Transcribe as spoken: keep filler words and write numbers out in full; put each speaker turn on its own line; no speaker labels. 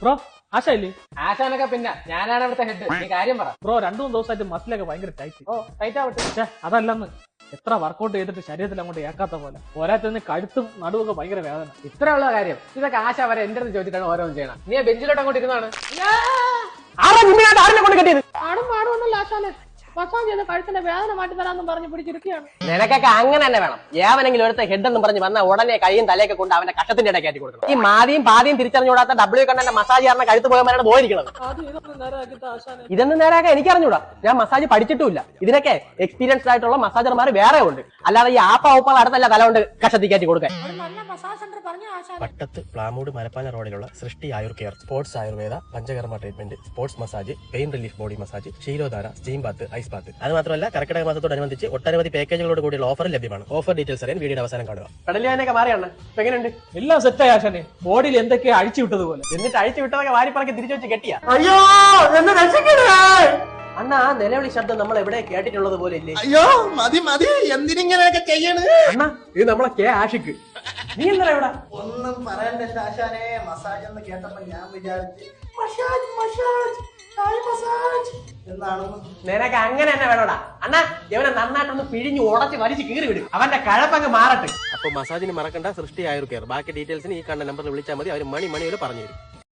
Bro ആശായില്ലേ?
ആശാനൊക്കെ പിന്നെ ഞാനാണ് ഇവിടുത്തെ ഹെഡ്. നീ കാര്യം പറ
ബ്രോ രണ്ടു മൂന്ന് ദിവസമായിട്ട് മസിലൊക്കെ ഭയങ്കര ടൈറ്റ്.
ഓ ടൈറ്റ് ആവട്ടെ.
അതല്ലെന്ന് എത്ര വർക്കൗട്ട് ചെയ്തിട്ട് ശരീരത്തിൽ അങ്ങോട്ട് ഏക്കാത്ത പോലെ പോരാത്തതിന് കഴുത്തും നടുവൊക്കെ ഭയങ്കര വേദന.
ഇത്രയുള്ള കാര്യം ഇതൊക്കെ ആശ വരെ എന്റെ അടുത്ത് ചോദിച്ചിട്ടാണ് ഓരോന്നും ചെയ്യണം. നീ ബെഞ്ചിലോട്ട് അങ്ങോട്ട് ഇരുന്നാണ് കൊണ്ട് കെട്ടിയത്.
ആടും പാടുകൊണ്ടല്ലോ ആശാനെ മസാജ് ചെയ്ത് കഴുത്തിന്റെ വേദന മാറ്റി തരാമെന്ന് പറഞ്ഞ് പിടിച്ചിരിക്കുകയാണ്.
നിനക്കൊക്കെ അങ്ങനെ തന്നെ വേണം. ഏവനെങ്കിലും ഒരുത്ത ഹെഡ് എന്ന് പറഞ്ഞ് വന്ന ഉടനെ കൈയും തലയൊക്കെ കൊണ്ട് അവന്റെ കഷത്തിന്റെ ഇടയ്ക്ക് കയറ്റി കൊടുക്കണം. ഈ മാതിയും പാതിയും തിരിച്ചറിഞ്ഞുകൂടാത്ത ഡബ്ല്യു കണ്ണന്റെ മസാജ് ചെയ്യാറുന്ന കഴുത്ത് പോയവരാണ് പോയിരിക്കുന്നത്. ഇതൊന്നും നേരാക്കാൻ എനിക്ക് അറിഞ്ഞൂടാ. ഞാൻ മസാജ് പഠിച്ചിട്ടുമില്ല. ഇതിനൊക്കെ എക്സ്പീരിയൻസ്ഡ് ആയിട്ടുള്ള മസാജർമാർ വേറെ ഉണ്ട്. അല്ലാതെ ഈ ആപ്പ ഔപ്പ അടുത്തല്ല തല കൊണ്ട് കഷത്തി കയറ്റി കൊടുക്കാൻ.
പട്ടത്ത് പ്ലാമൂട് മലപ്പാല റോഡിലുള്ള Srishti Ayur care, sports Ayurveda, panchakarma treatment, sports massage, pain relief body massage, ksheeradhara, steam bath, ice bath. അത് മാത്രമല്ല കർക്കിടക മാസത്തോടനുബന്ധിച്ച് ഒട്ടനവധി പാക്കേജുകളോട് കൂടിയുള്ള ഓഫർ ലഭ്യമാണ്. ഓഫർ ഡീറ്റെയിൽസ് അറിയാൻ വീഡിയോ അവസാനം കാണുക.
കടലിയാനൊക്കെ മാറിയാണ്. ഇപ്പൊ എങ്ങനെയുണ്ട്?
എല്ലാം സെറ്റായി ആശാനെ. ബോഡിയിൽ എന്തൊക്കെയാ അഴിച്ചു വിട്ടതുപോലെ.
എന്നിട്ട് അഴിച്ചു വിട്ടതൊക്കെ വാരിപ്പറക്കി തിരിച്ചു വെച്ച് കെട്ടിയ.
അയ്യോ എന്നെ രക്ഷിക്കണേ
അണ്ണാ ആ നിലവിളി ശബ്ദം നമ്മൾ എവിടെ കേട്ടിട്ടുള്ളത് പോലെ ഇല്ലേ?
അയ്യോ മതി മതി എന്തിനിങ്ങനെയൊക്കെ ചെയ്യണ്?
അണ്ണാ ഇത് നമ്മളെ കെ ആഷിക്ക്. നീ എന്താ ഇവിടെ?
ഒന്നും പറയണ്ട എന്റെ ആശാനെ. മസാജ് എന്ന് കേട്ടപ്പോ ഞാൻ വിചാരിച്ചു മസാജ് മസാജ് തായ് മസാജ് എന്നാണ്.
നിനക്ക് അങ്ങനെ തന്നെ വേണോടാ. അണ്ണാ ഇവനെ നന്നായിട്ടൊന്ന് പിഴിഞ്ഞ് ഉടച്ച് വലിച്ച് കീറി വിടും. അവന്റെ കഴപ്പങ്ങ് മാറട്ടെ.
അപ്പോൾ മസാജിന് മറക്കണ്ട സൃഷ്ടി ആയുർ കെയർ. ബാക്കി ഡീറ്റെയിൽസിന് ഈ കണ്ട നമ്പറിൽ വിളിച്ചാൽ മതി. അവർ മണി മണി വരെ പറഞ്ഞു തരും.